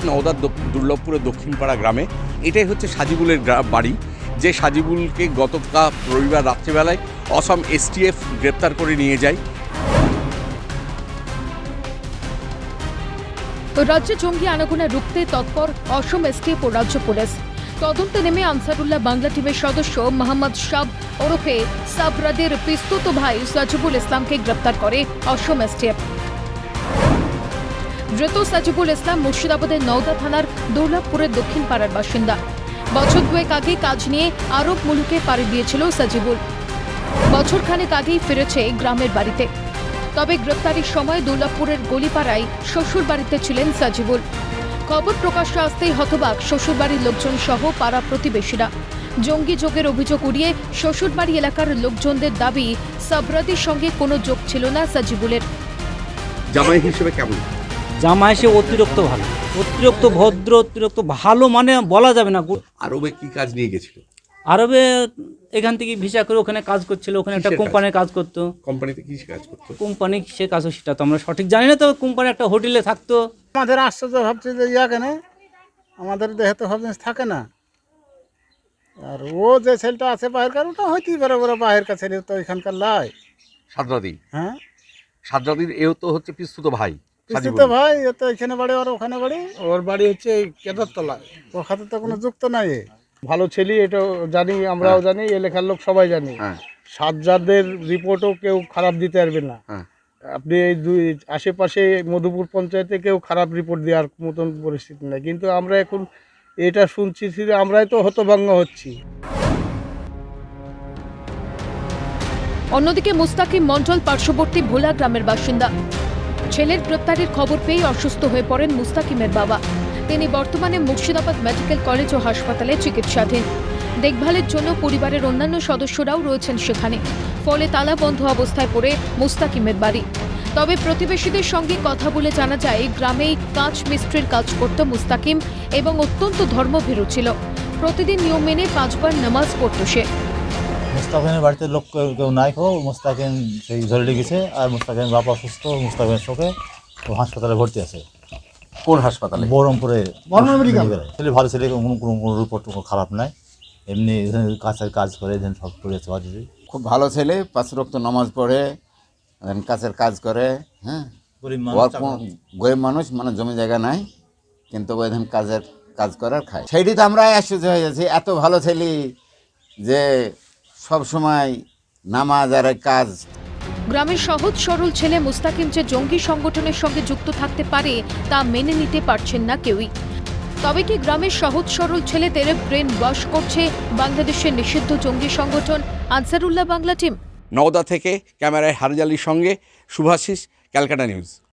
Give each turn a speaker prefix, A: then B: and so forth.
A: নওদার দুর্লভপুরের দক্ষিণপাড়া গ্রামে। এটাই হচ্ছে সাজিবুলের বাড়ি, যে সাজিবুলকে গতকাল রবিবার রাত্রিবেলায় অসম এসটিএফ গ্রেপ্তার করে নিয়ে যায়।
B: রাজ্যে জঙ্গি আনাগোনা রুখতে তৎপর অসম এসটিএফ ও রাজ্য পুলিশ। তদন্তে নেমে আনসারুল্লাহ বাংলা টিমের সদস্য মোহাম্মদ শাব ওরফে সাবরাদের পিস্তুত ভাই সাজিবুল ইসলামকে গ্রেপ্তার করে অসম এসটিএফ। ধৃত সাজিবুল ইসলাম মুর্শিদাবাদের নওদা থানার দুর্লভপুরের দক্ষিণ পাড়ার বাসিন্দা। বছর দুয়েক আগে কাজ নিয়ে আরব মুলুকে পাড়ি দিয়েছিল সাজিবুল। বছরখানেক আগেই ফিরেছে গ্রামের বাড়িতে। তবে গ্রেপ্তারির সময় দুর্লভপুরের গলিপাড়ায় শ্বশুর বাড়িতে ছিলেন সাজিবুল। খবর প্রকাশ্যে আসতেই হতবাক শ্বশুরবাড়ির লোকজন সহ পাড়া প্রতিবেশীরা। জঙ্গি যোগের অভিযোগ উড়িয়ে শ্বশুরবাড়ি এলাকার লোকজনদের দাবি সাবরাদের সঙ্গে কোনো যোগ ছিল না সাজিবুলের।
A: জামাই হিসেবে কেমন?
C: জামাই সে অতিরিক্ত ভালো, অতিরিক্ত ভদ্র, অতিরিক্ত ভালো, মানে বলা যাবে না।
A: আরবে কি কাজ নিয়ে গেছিল?
C: আরবে এখান থেকে ভিসা করে ওখানে কাজ করছিল, ওখানে একটা
A: কিসের কাজ?
C: কোম্পানির কাজ করতো।
A: কোম্পানিতে কি কাজ করতো?
C: কোম্পানি সে কাজ, সেটা তো আমরা সঠিক জানি না। তো কোম্পানি একটা হোটেলে থাকতো।
D: আমাদের আশ্চর্য ভাবছে যে কেন আমাদের দেহে তো ভাবছে থাকে না। আর ও যে ছেলেটা আছে বাহিরকার, ওটা হইতেই পারে, ওরা বাহিরকার ছেলে তো এখানকার লাই।
A: সাদরাদি?
D: হ্যাঁ,
A: সাদরাদির এও তো হচ্ছে পিস্তুত ভাই।
D: তো ভাই ও তো এখানে বাড়ি, আর ওখানে বাড়ি। ওর বাড়ি হচ্ছে এই কেদারতলায়। ওর খাতে তো কোনো যুক্ত নাই। ভালো ছেলে, এটা জানি, আমরাও জানি, এলাকার লোক সবাই জানি।
A: হ্যাঁ
D: সাজ্জাদের রিপোর্টও কেউ খারাপ দিতে পারবে না।
A: হ্যাঁ।
D: আপনি এই দুই আশেপাশে মধুপুর পঞ্চায়েতে কেউ খারাপ রিপোর্ট দেওয়ার মতন পরিস্থিতি নেই। কিন্তু আমরা এখন এটা শুনছি, আমরাই তো হতভঙ্গ হচ্ছি।
B: অন্যদিকে মুস্তাকিম মণ্ডল পার্শ্ববর্তী ভোলা গ্রামের বাসিন্দা। ছেলের গ্রেপ্তারের খবর পেয়ে অসুস্থ হয়ে পড়েন মুস্তাকিমের বাবা। তিনি বর্তমানে মুর্শিদাবাদ মেডিকেল কলেজ ও হাসপাতালে চিকিৎসাধীন। দেখভালের জন্য পরিবারের অন্যান্য সদস্যরাও রয়েছেন সেখানে। ফলে তালাবন্ধ অবস্থায় পড়ে মুস্তাকিমের বাড়ি। তবে প্রতিবেশীদের সঙ্গে কথা বলে জানা যায়, গ্রামেই কাঁচ মিস্ত্রির কাজ করত মুস্তাকিম এবং অত্যন্ত ধর্মভীরু ছিল। প্রতিদিন নিয়ম মেনে 5 বার নামাজ পড়ত সে।
E: মুস্তাকিমের বাড়িতে লোক কেউ নাই, মুস্তাকিম সেই ঝরে গেছে। আর মুস্তাকিমের বাবা অসুস্থ, মুস্তাকিমের শোকে ও হাসপাতালে ভর্তি আছে।
A: কোন হাসপাতালে?
E: বহরমপুরে ছেলে ভালো ছেলে, কোনো রিপোর্ট খারাপ নাই। এমনি কাছের কাজ করে সব করেছে।
F: খুব ভালো ছেলে, 5 ওয়াক্ত নামাজ পড়ে, কাছের কাজ করে। হ্যাঁ, গরিব মানুষ, মানে জমি জায়গা নাই, কিন্তু কাজের কাজ করে আর খায়। সেইটি তো আমরা আশ্চর্য হয়ে যাচ্ছি, এত ভালো ছেলে যে সব সময় নামাজ আর কাজ।
B: গ্রামের সহজ সরল ছেলে মুস্তাকিম যে জঙ্গি সংগঠনের সঙ্গে যুক্ত থাকতে পারে তা মেনে নিতে পারছেন না কেউই। তবে কি গ্রামের সহজ সরল ছেলেদের ব্রেন ওয়াশ করছে বাংলাদেশের নিষিদ্ধ জঙ্গি সংগঠন আনসারুল্লাহ বাংলা টিম?
A: নওদা থেকে ক্যামেরায় হারজালির সঙ্গে শুভাশিস, ক্যালকাটা নিউজ।